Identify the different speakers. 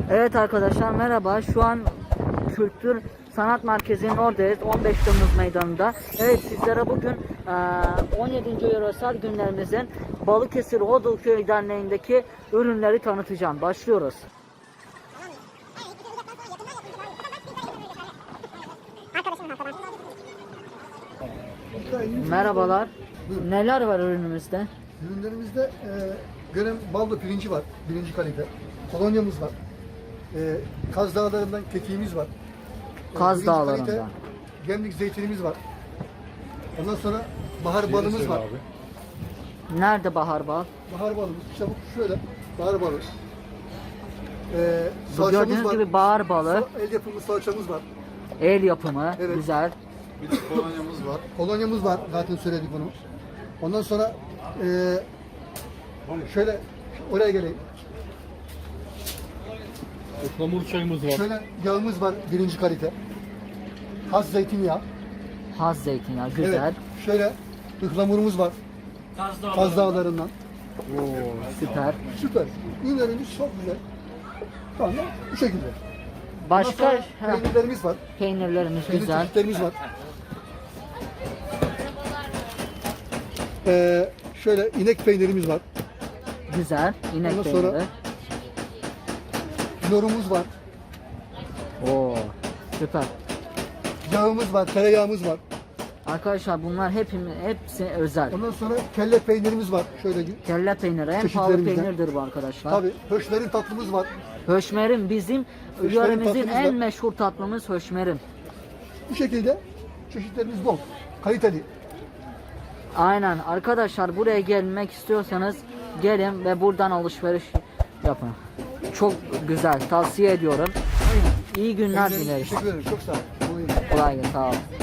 Speaker 1: Evet arkadaşlar merhaba. Şu an Kültür Sanat Merkezi'nin oradayız. 15 Temmuz Meydanı'nda. Evet sizlere bugün 17. Yöresel günlerimizin Balıkesir Hodulköy Derneği'ndeki ürünleri tanıtacağım. Başlıyoruz. Merhabalar. Neler var ürünümüzde?
Speaker 2: Ürünlerimizde Görem baldo pirinci var, birinci kalite. Kolonyamız var. Kaz Dağları'ndan kekiğimiz var.
Speaker 1: Kaz
Speaker 2: Birinci
Speaker 1: Dağları'ndan.
Speaker 2: kalite Gemlik zeytinimiz var. Ondan sonra bahar balımız var.
Speaker 1: Nerede bahar bal?
Speaker 2: Bahar balımız, işte bu şöyle, bahar balı.
Speaker 1: Bu
Speaker 2: Salçamız
Speaker 1: gördüğünüz
Speaker 2: var.
Speaker 1: gibi bahar balı,
Speaker 2: El yapımı salçamız var.
Speaker 1: el yapımı,
Speaker 2: Evet.
Speaker 1: güzel.
Speaker 3: Bir de kolonyamız var.
Speaker 2: Kolonyamız var, zaten söyledik onu. Ondan sonra şöyle, oraya geleyim.
Speaker 3: Ihlamur çayımız var.
Speaker 2: Şöyle yağımız var, birinci kalite. Has zeytinyağı.
Speaker 1: Haz zeytinyağı, güzel.
Speaker 2: Evet, şöyle ıhlamurumuz var. Kaz Dağları'ndan.
Speaker 1: Süper.
Speaker 2: Süper. Ürünlerimiz çok güzel. Tamam, bu şekilde.
Speaker 1: Başka
Speaker 2: Ondan sonra peynirlerimiz var.
Speaker 1: peynirlerimiz
Speaker 2: Peynir
Speaker 1: güzel.
Speaker 2: çeşitlerimiz var. Şöyle inek peynirimiz var.
Speaker 1: Güzel. İnek
Speaker 2: Ondan sonra-
Speaker 1: peyniri.
Speaker 2: Lorumuz var.
Speaker 1: Oo, süper.
Speaker 2: Yağımız var, tereyağımız var.
Speaker 1: Arkadaşlar bunlar hepsi özel.
Speaker 2: Ondan sonra kelle peynirimiz var. Şöyle
Speaker 1: Kelle peyniri en pahalı
Speaker 2: Çeşitlerimizden.
Speaker 1: peynirdir bu arkadaşlar.
Speaker 2: tabii höşmerin tatlımız var.
Speaker 1: Höşmerim bizim
Speaker 2: Höşmerim
Speaker 1: yöremizin
Speaker 2: tatlımız
Speaker 1: en
Speaker 2: var.
Speaker 1: meşhur tatlımız höşmerim.
Speaker 2: Bu şekilde çeşitlerimiz bol. Kaliteli.
Speaker 1: Aynen arkadaşlar buraya gelmek istiyorsanız gelin ve buradan alışveriş yapın. Çok güzel tavsiye ediyorum. İyi günler dileriz.
Speaker 2: Teşekkür ederim. Çok sağ olun.
Speaker 1: Kolay gelsin. Sağ olun.